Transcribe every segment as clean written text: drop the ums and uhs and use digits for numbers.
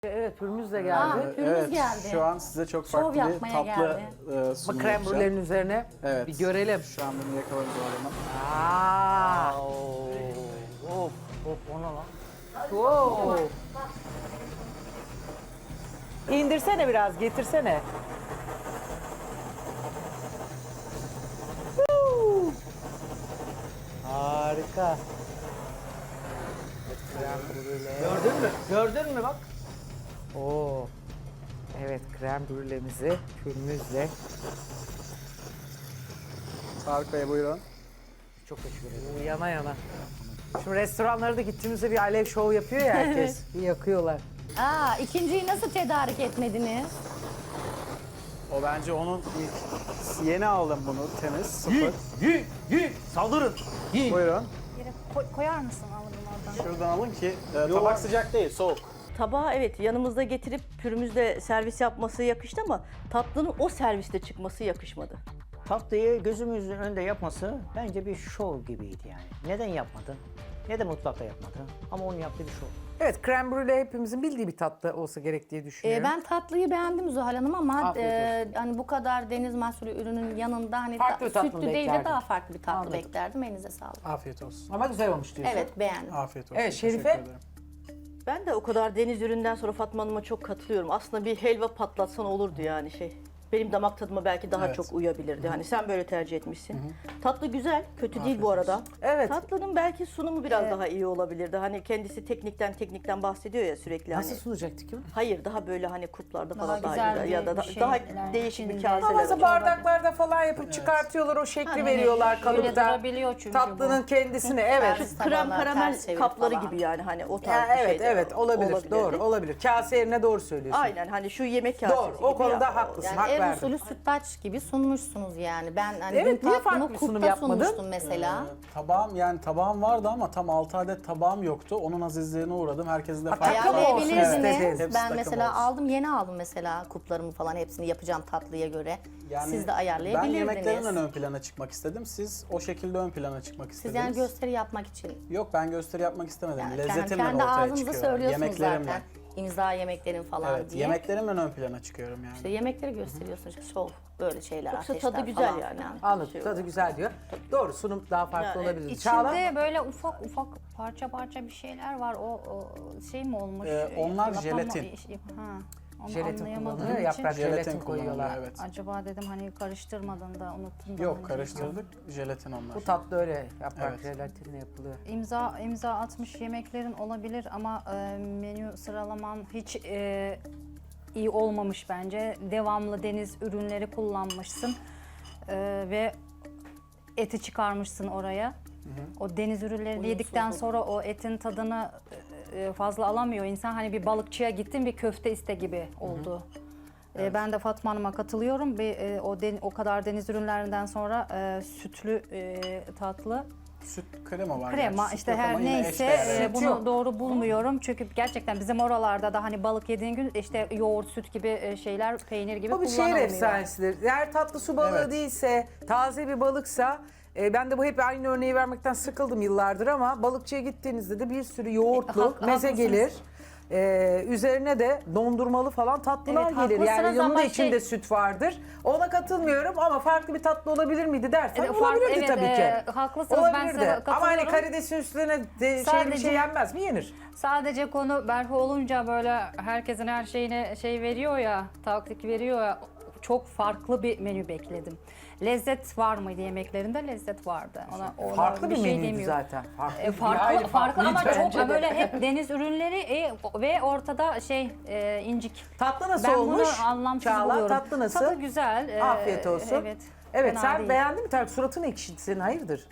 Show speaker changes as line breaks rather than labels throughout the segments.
Evet, pürümüz de geldi.
Aa, pürümüz geldi.
Şu an size çok
Şov
farklı bir
yapmaya
tatlı
geldi.
Ama krem brülenin üzerine
Evet.
bir görelim.
Şu an bunu yakalarız o zaman.
Aa,
Of o ne lan?
wow. İndirsene biraz, getirsene. Woo! Harika. Krem brüle.
Gördün mü? Gördün mü bak?
Oo. Evet, krem brülemizi pürümüzle.
Tarık Bey buyurun.
Çok teşekkür ederim.
Yana yana. Şimdi restoranlara da gittiğimizde bir alev şov yapıyor ya herkes. Bir yakıyorlar.
Aa, ikinciyi nasıl tedarik etmediniz?
O bence onun ilk. Yeni aldım bunu temiz, sıfır.
Saldırın.
Buyurun.
Yere koyar mısın alırım oradan?
Şuradan alın ki tabak sıcak değil, soğuk.
Tabağı evet yanımızda getirip pürümüzle servis yapması yakıştı ama tatlının o serviste çıkması yakışmadı.
Tatlıyı gözümüzün önünde yapması bence bir şov gibiydi yani. Neden yapmadı? Neden mutfakta yapmadı? Ama onun yaptığı bir şov.
Evet, krem brüle hepimizin bildiği bir tatlı olsa gerek diye düşünüyorum.
Ben tatlıyı beğendim Zuhal Hanım ama
Afiyet olsun.
hani bu kadar deniz mahsulü ürünün yanında hani
Farklı bir tatlı mı
sütlü değil de
beklerdin?
daha farklı bir tatlı
Anladım.
beklerdim. Elinize sağlık.
Afiyet olsun.
Ama güzel olmuş diyorsun.
Evet, beğendim.
Afiyet olsun.
Evet, Şerife?
Teşekkür ederim.
Ben de o kadar deniz üründen sonra Fatma Hanım'a çok katılıyorum. Aslında bir helva patlatsan olurdu yani şey. Benim damak tadıma belki daha
Evet.
çok uyabilirdi. Hani sen böyle tercih etmişsin. Tatlı güzel, kötü değil bu arada.
Evet.
Tatlının belki sunumu biraz daha iyi olabilirdi. Hani kendisi teknikten bahsediyor ya sürekli
Nasıl
hani.
sunacaktı ki?
Hayır daha böyle hani kuplarda
Daha
falan
güzel
daha
bir
ya da
şey,
daha
şeyler
değişik bir
içinde.
kaseler.
Ama
olacak.
bardaklarda falan yapıp çıkartıyorlar, o şekli
Hani
veriyorlar
şöyle
kalıpta.
durabiliyor çünkü
Tatlının kendisini, evet.
Servis
Krem
tabağına
karamel
ters çevirip
kapları
falan.
gibi yani hani o tarz
Ya,
bir
evet,
şeyler
evet, olabilir. Doğru, olabilir. Kase yerine doğru söylüyorsun.
Aynen hani şu yemek kasesi
Doğru,
gibi
o konuda
ya.
haklısın,
Yani
hak
ev
verdim.
usulü sütlaç gibi sunmuşsunuz yani. Ben hani
Evet,
dün
niye farklı
tatlımı
bir sunum
kupta
yapmadın?
sunmuştum mesela.
Tabağım vardı ama tam 6 adet tabağım yoktu. Onun azizliğine uğradım. Herkese de farklı.
takım olsun
Ayarlayabilirsiniz.
istedin.
Hepsi
Ben
takım
mesela
olsun.
aldım, yeni aldım mesela kuplarımı falan hepsini yapacağım tatlıya göre. Siz de
Ben
ayarlayabilirdiniz.
yemeklerimle ön plana çıkmak istedim. Siz o şekilde ön plana çıkmak
Siz
istediniz.
yani gösteri yapmak için.
Yok ben gösteri yapmak istemedim.
Yani
Lezzetimle
kendi
ortaya
ağzınıza
çıkıyorum.
söylüyorsunuz
Yemeklerimle.
zaten. İmza yemeklerin falan
Evet,
diye.
yemeklerimle ön plana çıkıyorum yani.
İşte yemekleri gösteriyorsunuz. Şov, böyle şeyler,
Yoksa
ateşler
tadı güzel
falan
yani.
filan.
Anladım,
Şey
tadı
olur.
güzel diyor. Doğru, sunum daha farklı
Yani
olabilir. Çağla?
İçinde böyle ufak ufak parça bir şeyler var. O şey mi olmuş?
Onlar
Yapama-
jelatin.
Ha, onu
Jelatin
anlayamadığım
kullanılıyor,
için.
yaprak jelatin
Jelatin
koyuyorlar.
kullanılıyor, evet.
Acaba dedim hani karıştırmadın da unuttun da.
Yok
hani-
karıştırdık. Jelatin onlar.
Bu tatlı öyle yaprak
Evet.
jelatinle yapılıyor.
İmza atmış yemeklerin olabilir ama menü sıralaman hiç iyi olmamış bence. Devamlı deniz ürünleri kullanmışsın ve eti çıkarmışsın oraya. O deniz ürünlerini yedikten sonra o etin tadını fazla alamıyor insan. Hani bir balıkçıya gittin bir köfte iste gibi oldu. Ben de Fatma Hanım'a katılıyorum. O kadar deniz ürünlerinden sonra sütlü tatlı.
Süt krema var.
Krema
gerçi.
işte
Süt yok
her
ama yine
neyse
eşdeğer.
Süt
bunu
yok.
doğru bulmuyorum. Çünkü gerçekten bizim oralarda da hani balık yediğin gün işte yoğurt, süt gibi şeyler, peynir gibi
Bu bir şehir
kullanılmıyor.
efsanesidir. Eğer tatlı su balığı
Evet.
değilse, taze bir balıksa, ben de bu hep aynı örneği vermekten sıkıldım yıllardır ama balıkçıya gittiğinizde de bir sürü yoğurtlu meze
haklısınız.
gelir. Üzerine de dondurmalı falan tatlılar
Evet,
gelir. Yani
haklısınız
yanında
ama
içinde süt vardır. Ona katılmıyorum ama farklı bir tatlı olabilir miydi dersen
Evet,
olabilirdi
evet,
tabii ki.
haklısınız, ben
Olabilirdi.
size
Ama hani
katılıyorum.
karidesin üstüne bir
Sadece-
şey yenmez mi? Yenir.
Sadece konu berhu olunca böyle herkesin her şeyine şey veriyor ya, taktik veriyor ya. Çok farklı bir menü bekledim. Lezzet var mıydı yemeklerinde? Lezzet vardı. Ona
Farklı bir
şey
menüydü
demiyorum.
zaten. Farklı,
Farklı, farklı ama
bence
çok
de.
böyle hep deniz ürünleri ve ortada incik.
Tatlı nasıl
Ben
olmuş?
bunu anlamsız
Çağla,
buluyorum.
tatlı nasıl?
Tadı güzel.
Afiyet olsun.
Evet.
Evet,
fena
sen
değil.
beğendin mi Tarık? Suratın ekşidi senin, hayırdır?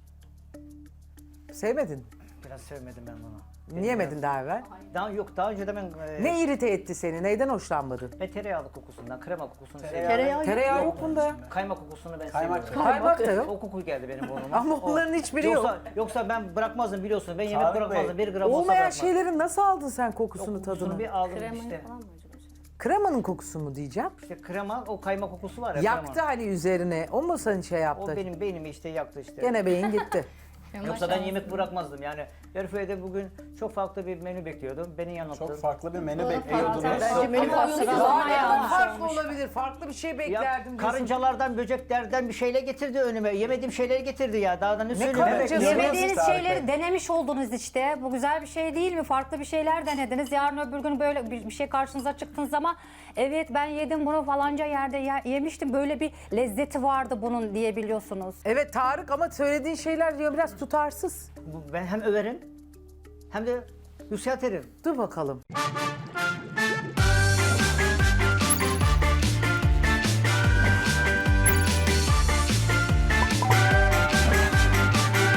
Sevmedin.
Biraz sevmedim ben bunu.
Niye yemedin daha evvel?
Daha önce de ben
Ne irite etti seni? Neyden hoşlanmadın?
ve tereyağlı kokusundan, krema kokusunu seviyorum.
Tereyağı
Tereyağı yok bunda.
Kaymak kokusunu ben
Kaymak
seviyorum.
Kaymak da yok.
O koku geldi benim burnuma.
Ama onların hiçbiri yok.
Yoksa ben bırakmazdım biliyorsun. Ben yemek
Tarık
bırakmazdım.
Bey,
Bir gram olsa
Olmayan
bırakmazdım.
şeylerin nasıl aldın sen kokusunu,
Kokusunu
tadını?
bir aldım
Kremayı
işte.
falan mı acaba?
Kremanın kokusu mu diyeceğim?
İşte krema, o kaymak kokusu var ya.
Yaktı
krema.
hani üzerine. O mu seni şey
O
yaptı?
benim beynimi işte yaktı işte.
Gene beyin gitti.
Yoksa ben yemek bırakmazdım yani. Zerife'de bugün çok farklı bir menü bekliyordum. Beni yanılttı.
Çok farklı bir menü bekliyordunuz.
Bence menü farklı.
Sıralama
Ya
yanlış
farklı
olmuş.
olabilir. Farklı bir şey
Ya,
beklerdim. diyorsun.
karıncalardan, böceklerden bir şeyler getirdi önüme. Yemediğim şeyleri getirdi ya. Daha da ne söyleyeyim?
karıncası?
Evet,
Yemediğiniz
Tarık
şeyleri
Bey.
denemiş oldunuz işte. Bu güzel bir şey değil mi? Farklı bir şeyler denediniz. Yarın öbür gün böyle bir şey karşınıza çıktığınız zaman evet ben yedim bunu falanca yerde yemiştim. Böyle bir lezzeti vardı bunun diyebiliyorsunuz.
Evet Tarık ama söylediğin şeyler diyor biraz tutarsız.
Ben hem överim hem de yükseltirim.
Dur bakalım.